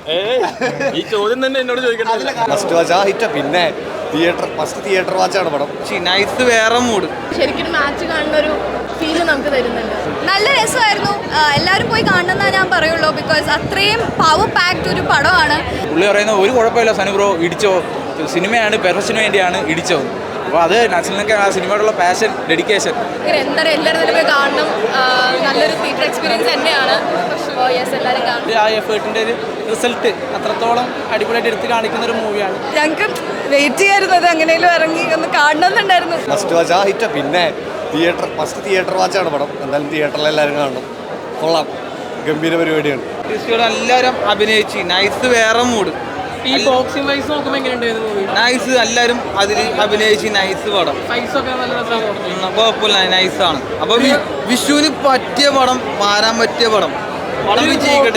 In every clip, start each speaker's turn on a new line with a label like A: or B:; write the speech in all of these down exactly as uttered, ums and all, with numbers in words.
A: ഈ ചോദ്യം തന്നെ എന്നോട് ചോദിക്കണ്ട.
B: ഫസ്റ്റ് വാച്ച് ആ ഹിറ്റ് പിന്നെ തിയേറ്റർ ഫസ്റ്റ് തിയേറ്റർ വാച്ചാണ് പടം.
C: നൈസ് വേറെ മൂഡ്.
D: ശരിക്കും മാച്ച് കാണുന്ന ഒരു ഫീല് നമുക്ക് തരുന്നുണ്ട്. നല്ല രസമായിരുന്നു. എല്ലാവരും പോയി കാണണമെന്നാ ഞാൻ പറയുള്ളൂ. ബിക്കോസ് അത്രയും പവർ പാക്ഡ് ഒരു പടമാണ്.
C: പുള്ളി പറയുന്ന ഒരു കുഴപ്പമില്ല സനു ബ്രോ, ഇടിച്ചോ, സിനിമയാണ് പെർഫെക്ഷന് വേണ്ടിയാണ് ഇടിച്ചോ. അപ്പോൾ അത് നസലിനൊക്കെ ആ സിനിമയോടുള്ള പാഷൻ, ഡെഡിക്കേഷൻ
D: എന്താ എല്ലാവരും തന്നെ പോയി കാണണം. നല്ലൊരു തിയേറ്റർ എക്സ്പീരിയൻസ് തന്നെയാണ്. യെസ്, എല്ലാവരും കാണും.
E: ആ എഫേർട്ടിൻ്റെ ഒരു റിസൾട്ട് അത്രത്തോളം അടിപൊളിയായിട്ട് എടുത്ത് കാണിക്കുന്ന ഒരു മൂവിയാണ്.
D: ഞങ്ങൾക്ക് വെയിറ്റ് ചെയ്യായിരുന്നത് എങ്ങനെയും ഇറങ്ങി ഒന്ന് കാണണമെന്നുണ്ടായിരുന്നു.
B: ഫസ്റ്റ് വാച്ച് ആ ഹിറ്റ് പിന്നെ തിയേറ്റർ ഫസ്റ്റ് തിയേറ്റർ വാച്ചാണ് പടം. എന്തായാലും തിയേറ്ററിൽ എല്ലാവരും കാണണം. കൊള്ളാം, ഗംഭീര പരിപാടിയാണ്.
C: എല്ലാവരും അഭിനയിച്ച് നൈസ് വേറെ മൂഡ്.
E: ഈ ബോക്സിംഗ് വൈസ് നോക്കുമ്പോൾ എങ്ങനെയുണ്ടായിരുന്നു മൂവി?
C: നൈസ്, എല്ലാവരും അതിൽ അഭിനയിച്ച് നൈസ് പടം.
E: ഫൈസൊക്കെ നല്ല രസമാണ്,
C: കുഴപ്പമില്ല, നൈസാണ്. അപ്പോൾ വിഷുവിന് പറ്റിയ പടം, മാറാൻ പറ്റിയ പടം. പടം വിജയിക്കട്ടെ.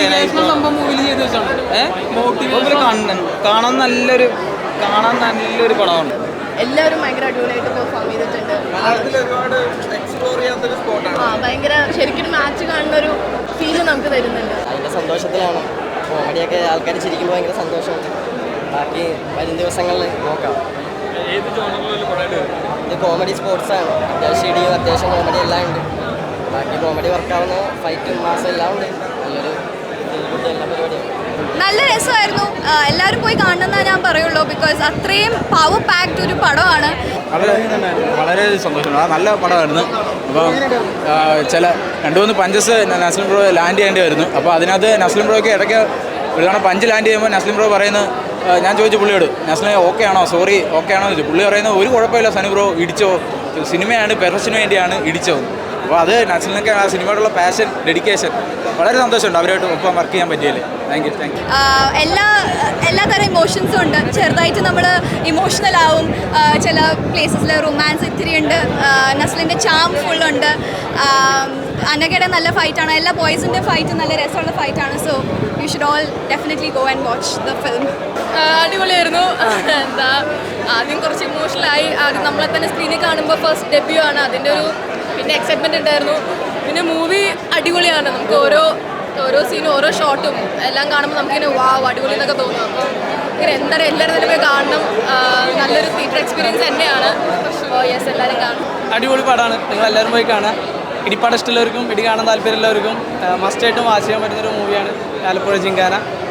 C: കാണാൻ നല്ലൊരു കാണാൻ നല്ലൊരു പടമാണ്.
D: എല്ലാവരും ഭയങ്കര അടിപൊളിയായിട്ട് പെർഫോം ചെയ്തിട്ടുണ്ട്. ആ ഭയങ്കര ശരിക്കും മാച്ച് കാണുന്ന ഒരു ഫീല് നമുക്ക് തരുന്നുണ്ട്.
F: അതിൻ്റെ സന്തോഷത്തിലാണ്. കോമഡിയൊക്കെ ആൾക്കാർ ചിരിക്കുമ്പോൾ ഭയങ്കര സന്തോഷമുണ്ട്. ബാക്കി വരും ദിവസങ്ങളിൽ നോക്കാം. ഇത് കോമഡി സ്പോർട്സാണ്. അത്യാവശ്യം ഇടിയും അത്യാവശ്യം കോമഡി എല്ലാം ഉണ്ട്. ബാക്കി കോമഡി വർക്കാവുന്ന ഫൈറ്റും മാസം എല്ലാം ഉണ്ട്. നല്ലൊരു എല്ലാ പരിപാടിയാണ്.
D: നല്ല രസമായിരുന്നു. എല്ലാവരും പോയി കാണണമെന്നാ ഞാൻ പറയുള്ളൂ. ബിക്കോസ് അത്രയും പവർ പാക്ഡ് ഒരു പടമാണ്.
C: വളരെ വളരെ സന്തോഷമാണ്. നല്ല പടമായിരുന്നു. അപ്പോൾ ചില രണ്ട് മൂന്ന് പഞ്ചസ് നസ്ലിം ബ്രോ ലാൻഡ് ചെയ്യേണ്ടി വരുന്നു. അപ്പോൾ അതിനകത്ത് നസ്ലിം ബ്രോയ്ക്ക് ഇടയ്ക്ക് ഒരു തവണ പഞ്ച് ലാൻഡ് ചെയ്യുമ്പോൾ നസ്ലിം ബ്രോ പറയുന്നത്, ഞാൻ ചോദിച്ചു പുള്ളിയോട്, നസ്ലിം ഓക്കെ ആണോ, സോറി ഓക്കെ ആണോ എന്ന് ചോദിച്ചു. പുള്ളി പറയുന്നത് ഒരു കുഴപ്പമില്ല സനു ബ്രോ, ഇടിച്ചോ, സിനിമയാണ് പെർഫെക്ഷന് വേണ്ടിയാണ് ഇടിച്ചോ. അപ്പോൾ അത് നസ്ലിനൊക്കെ ആ സിനിമയോടുള്ള പാഷൻ, ഡെഡിക്കേഷൻ. വളരെ സന്തോഷമുണ്ട് അവരായിട്ട് ഒപ്പം വർക്ക് ചെയ്യാൻ പറ്റിയല്ലേ. Thank you thank you.
D: എല്ലാ എല്ലാ തരം ഇമോഷൻസും ഉണ്ട്. ചെറുതായിട്ട് നമ്മൾ ഇമോഷണൽ ആവും. ചില പ്ലേസസിൽ റൊമാൻസ് ഇത്തിരി ഉണ്ട്. നസ്ലിൻ്റെ ചാം ഫുള്ളുണ്ട്. അനഘയുടെ നല്ല ഫൈറ്റാണ്. എല്ലാ ബോയ്സിൻ്റെ ഫൈറ്റ് നല്ല രസമുള്ള ഫൈറ്റാണ്. So you should all definitely go and watch the film. അടിപൊളിയായിരുന്നു. എന്താ ആദ്യം കുറച്ച് ഇമോഷണലായി. ആദ്യം നമ്മളെ തന്നെ സ്ക്രീനിൽ കാണുമ്പോൾ ഫസ്റ്റ് ഡെബ്യൂ ആണ്. അതിൻ്റെ ഒരു പിന്നെ എക്സൈറ്റ്മെൻറ്റ് ഉണ്ടായിരുന്നു. പിന്നെ മൂവി അടിപൊളിയാണ്. നമുക്ക് ഓരോ ഓരോ സീനും ഓരോ ഷോട്ടും എല്ലാം കാണുമ്പോൾ നമുക്കിങ്ങനെ വാ അടിപൊളി എന്നൊക്കെ തോന്നും. അപ്പോൾ ഇങ്ങനെ എന്താ എല്ലാവരും തന്നെ പോയി കാണണം. നല്ലൊരു തിയേറ്റർ എക്സ്പീരിയൻസ് തന്നെയാണ്. യെസ്, എല്ലാവരും കാണും.
E: അടിപൊളി പടമാണ്. നിങ്ങൾ എല്ലാവരും പോയി കാണാം. ഇടിപ്പാടം ഇഷ്ടമുള്ളവർക്കും ഇടി കാണാൻ താല്പര്യമുള്ളവർക്കും മസ്റ്റായിട്ടും വാച്ച് ചെയ്യാൻ പറ്റുന്നൊരു മൂവിയാണ് ആലപ്പുഴ ജിങ്കാന.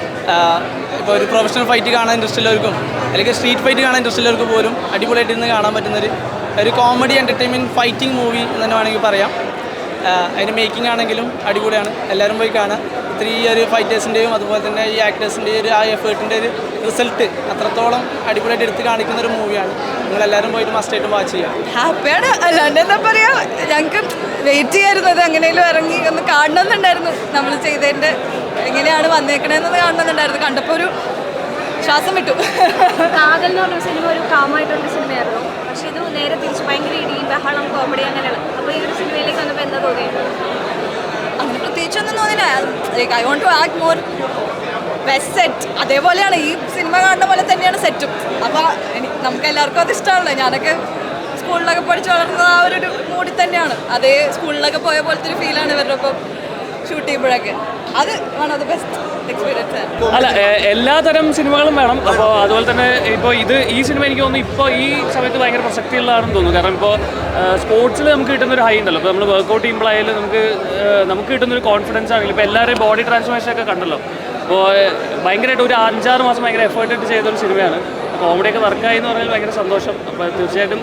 E: ഇപ്പോൾ ഒരു പ്രൊഫഷണൽ ഫൈറ്റ് കാണാൻ ഇൻട്രസ്റ്റ് ഉള്ളവർക്കും അല്ലെങ്കിൽ സ്ട്രീറ്റ് ഫൈറ്റ് കാണാൻ ഇൻട്രസ്റ്റ് ഉള്ളവർക്ക് പോലും അടിപൊളിയായിട്ട് ഇരുന്ന് കാണാൻ പറ്റുന്നൊരു ഒരു കോമഡി എൻ്റർടൈൻമെൻറ്റ് ഫൈറ്റിംഗ് മൂവി എന്ന് തന്നെ വേണമെങ്കിൽ പറയാം. അതിൻ്റെ മേക്കിംഗ് ആണെങ്കിലും അടിപൊളിയാണ്. എല്ലാവരും പോയി കാണാം. ഇത്തിരി ഈ ഒരു ഫൈറ്റേഴ്സിൻ്റെയും അതുപോലെ തന്നെ ഈ ആക്ടേഴ്സിൻ്റെയും ഒരു ആ എഫേർട്ടിൻ്റെ ഒരു റിസൾട്ട് അത്രത്തോളം അടിപൊളിയായിട്ട് എടുത്ത് കാണിക്കുന്ന ഒരു മൂവിയാണ്. നിങ്ങളെല്ലാവരും പോയിട്ട് മസ്റ്റായിട്ട് വാച്ച് ചെയ്യാം.
D: ഹാപ്പിയാണ്. അല്ലാണ്ട് എന്താ പറയുക, ഞങ്ങൾക്ക് വെയിറ്റ് ചെയ്യായിരുന്നത് എങ്ങനെയും ഇറങ്ങി ഒന്ന് കാണണമെന്നുണ്ടായിരുന്നു. നമ്മൾ ചെയ്തതിൻ്റെ എങ്ങനെയാണ് വന്നേക്കണേന്നത് കാണണമെന്നുണ്ടായിരുന്നു. കണ്ടപ്പോൾ ഒരു ശ്വാസം വിട്ടു.
G: കാതൽ എന്ന് പറഞ്ഞ സിനിമ ഒരു കാമായിട്ടുള്ള സിനിമയായിരുന്നു. പക്ഷേ ഇത് നേരെ തിരിച്ച് ഭയങ്കര ഇടി, ബഹളം, കോമഡി അങ്ങനെയാണ്. അപ്പോൾ ഈ ഒരു സിനിമയിലേക്ക് വന്നപ്പോൾ എന്താ തോന്നിയത്?
D: അങ്ങനെ പ്രത്യേകിച്ചൊന്നും തോന്നില്ല. I want to act more best set. അതേപോലെയാണ് ഈ സിനിമ കാണുന്ന പോലെ തന്നെയാണ് സെറ്റും. അപ്പോൾ നമുക്ക് എല്ലാവർക്കും അത് ഇഷ്ടമാണല്ലോ. ഞാനൊക്കെ സ്കൂളിലൊക്കെ പഠിച്ച് വളർന്നത് ആ ഒരു മൂഡിൽ തന്നെയാണ്. അതേ സ്കൂളിലൊക്കെ പോയ പോലത്തെ ഒരു ഫീലാണ് ഇവരുടെ ഒപ്പം ഷൂട്ട് ചെയ്യുമ്പോഴൊക്കെ. അത് one of the best experience.
H: അല്ല, എല്ലാ തരം സിനിമകളും വേണം. അപ്പോൾ അതുപോലെ തന്നെ ഇപ്പോൾ ഇത് ഈ സിനിമ എനിക്ക് തോന്നുന്നു ഇപ്പോൾ ഈ സമയത്ത് ഭയങ്കര പ്രസക്തിയുള്ളതാണെന്ന് തോന്നുന്നു. കാരണം ഇപ്പോൾ സ്പോർട്സിൽ നമുക്ക് കിട്ടുന്നൊരു ഹൈ ഉണ്ടല്ലോ. ഇപ്പോൾ നമ്മൾ വർക്കൗട്ട് ചെയ്യുമ്പോഴായാലും നമുക്ക് നമുക്ക് കിട്ടുന്നൊരു കോൺഫിഡൻസ് ആണെങ്കിലും ഇപ്പോൾ എല്ലാവരുടെയും ബോഡി ട്രാൻസ്ഫോർമേഷൻ ഒക്കെ കണ്ടല്ലോ. അപ്പോൾ ഭയങ്കരമായിട്ട് ഒരു അഞ്ചാറ് മാസം ഭയങ്കര എഫേർട്ട് ഇട്ട് ചെയ്തൊരു സിനിമയാണ്. കോമഡിയൊക്കെ വർക്കായി എന്ന് പറഞ്ഞാൽ ഭയങ്കര സന്തോഷം. അപ്പോൾ തീർച്ചയായിട്ടും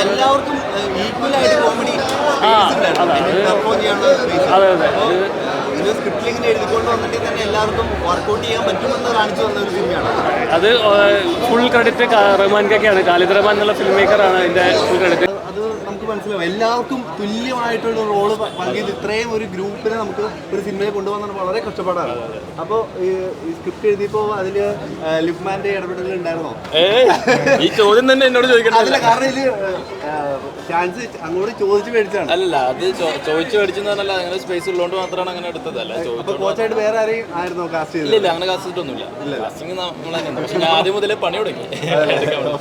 H: ആ അതെ അതെ അതെ അത് ഫുൾ ക്രെഡിറ്റ് റഹ്മാൻക്കൊക്കെയാണ്. ഖാലിദ് റഹ്മാൻ എന്നുള്ള ഫിലിം മേക്കറാണ് അതിൻ്റെ ഫുൾ ക്രെഡിറ്റ്.
B: അത് നമുക്ക് മനസ്സിലാവും. എല്ലാവർക്കും തുല്യമായിട്ടുള്ള റോള് പങ്കിയത് ഇത്രയും ഒരു ഗ്രൂപ്പിനെ നമുക്ക് ഒരു സിനിമയിൽ കൊണ്ടുപോകുന്നത് വളരെ കഷ്ടപ്പാടാണ്. അപ്പോൾ ഈ സ്ക്രിപ്റ്റ് എഴുതിയപ്പോൾ അതിൽ ലിപ്മാൻ്റെ ഇടപെടൽ ഉണ്ടായിരുന്നോ?
A: ഈ ചോദ്യം തന്നെ എന്നോട് ചോദിക്കണം.
B: അതില്ല, കാരണം ഇതിൽ ചാൻസ് അങ്ങോട്ട് ചോദിച്ചു മേടിച്ചാണ്.
A: അല്ലല്ല, അത് ചോദിച്ചു മേടിച്ചെന്ന് പറഞ്ഞാൽ അങ്ങനെ സ്പേസ് ഉള്ളതുകൊണ്ട് മാത്രമാണ് അങ്ങനെ എടുത്തതല്ല.
B: അപ്പോൾ കോച്ചായിട്ട് വേറെ ആരെയും ആയിരുന്നോ കാസ്റ്റ് ചെയ്തത്?
A: ഇല്ല, അങ്ങനെ കാസ്റ്റ് ചെയ്തിട്ടൊന്നുമില്ല. കാസ്റ്റിംഗ് നമ്മൾ തന്നെ. പക്ഷെ ഞാൻ ആദ്യം മുതലേ പണി തുടങ്ങി.